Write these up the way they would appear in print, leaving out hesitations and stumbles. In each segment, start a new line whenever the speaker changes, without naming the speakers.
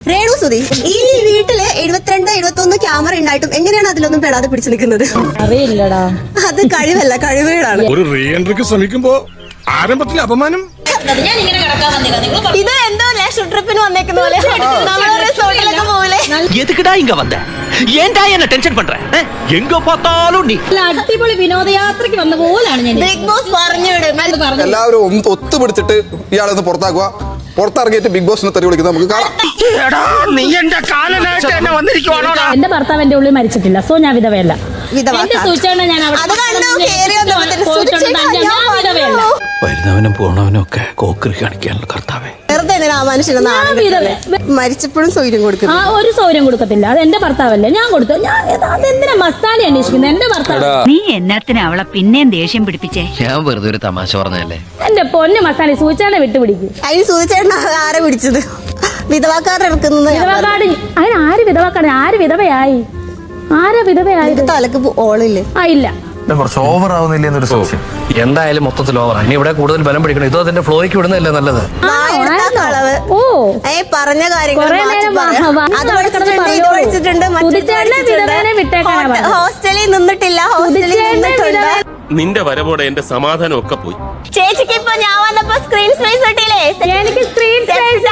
രേണു സുധി, ഈ വീട്ടില് 72-71 ക്യാമറ ഉണ്ടായിട്ടും എങ്ങനെയാണ് അതിലൊന്നും പെടാതെ പിടിച്ചു നിൽക്കുന്നത്?
അറിയില്ലടാ.
അത് കഴിവല്ല, കഴിവുകളാണ്.
ഒരു റീ എൻട്രിക്ക് ശ്രമിക്കുമ്പോ ആരംഭത്തിൽ അപമാനം.
ഇത് എന്തോ ലക്ഷ ട്രിപ്പിന് വന്നേക്കുന്ന പോലെ നമ്മള് റിസോർട്ടിലൊക്കെ പോവില്ലേ?
எதுக்குடா இங்க வந்த? ஏன்டா என்ன டென்ஷன் பண்ற? எங்க பார்த்தாலும் நீ.
അടിപൊളി വിനോദയാത്രയ്ക്ക് വന്ന പോലാണ് ഞാൻ.
ബിഗ് ബോസ് പറഞ്ഞു വിടും.
എല്ലാവരും ഒത്തുപിടിച്ചിട്ട് ഇയാളൊന്ന് പുറത്താക്കുക. പുറത്തിറങ്ങിയിട്ട് ബിഗ് ബോസിനെ തെറി വിളിക്കുന്നത് നമുക്ക് കാണാം.
എന്റെ ഭർത്താവ് എന്റെ ഉള്ളിൽ മരിച്ചിട്ടില്ല, സോ ഞാൻ വിധവയല്ല. എന്റെ സൂചന ഞാൻ വിധവയല്ല.
വരുന്നവനും പോണവനും ഒക്കെ കോക്കറി കാണിക്കാനുള്ള കർത്താവേ.
വെറുതെ ആ മനുഷ്യനെ മരിച്ചപ്പോഴും സൗകര്യം കൊടുക്കും.
ഒരു സൗകര്യം കൊടുക്കത്തില്ല. അത് എന്റെ ഭർത്താവല്ലേ, ഞാൻ കൊടുത്തു. ഞാൻ അതെന്തിനാ മസ്താനി അന്വേഷിക്കുന്നത്? എന്റെ ഭർത്താവ്.
നീ എന്നത്തിനാ അവളെ പിന്നെയും ദേഷ്യം പിടിപ്പിച്ചേ?
ഞാൻ വെറുതെ ഒരു തമാശ പറഞ്ഞല്ലേ.
എന്റെ പൊന്ന് മസ്താനി, സൂചന വിട്ടുപിടിക്കും.
അതിന് സൂചിച്ചേട്ടൻ ആരെ പിടിച്ചത്? വിധവാക്കാരുടെ ഇറക്കുന്നത്.
വിധവാക്കാട് അങ്ങനെ ആര് വിധവാക്കാട്? ആര് വിധവയായി? ആരാ വിധവയായി?
തലക്ക് ഓളില്ലേ?
ഇല്ല.
കുറച്ച് ഓവർ ആവുന്നില്ല എന്നൊരു സംശയം.
എന്തായാലും മൊത്തത്തിൽ ഓവറാ. ഇനി ഇവിടെ കൂടുതൽ ബലം പിടിക്കണം. ഇത് അതിന്റെ ഫ്ലോയ്ക്ക് വിടുന്നതല്ലേ നല്ലത്.
കളവ്. പറഞ്ഞ കാര്യങ്ങൾ ഹോസ്റ്റലിൽ നിന്നിട്ടില്ല, ഹോസ്റ്റലിൽ നിന്നിട്ടുണ്ട്.
നിന്റെ വരവോടെ എന്റെ സമാധാനം ഒക്കെ പോയി.
ചേച്ചിക്ക് ഇപ്പൊ ഞാൻ വന്നപ്പോ സ്ക്രീൻ സ്പേസ് കിട്ടിയില്ലേ?
എനിക്ക് സ്ക്രീൻ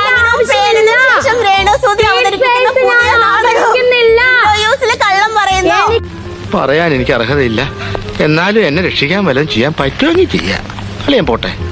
കള്ളം പറയുന്നു.
പറയാൻ എനിക്ക് അർഹതയില്ല. എന്നാലും എന്നെ രക്ഷിക്കാൻ വല്ലതും ചെയ്യാൻ പറ്റുമെങ്കിൽ ചെയ്യാം. അല്ലേ ഞാൻ പോട്ടെ.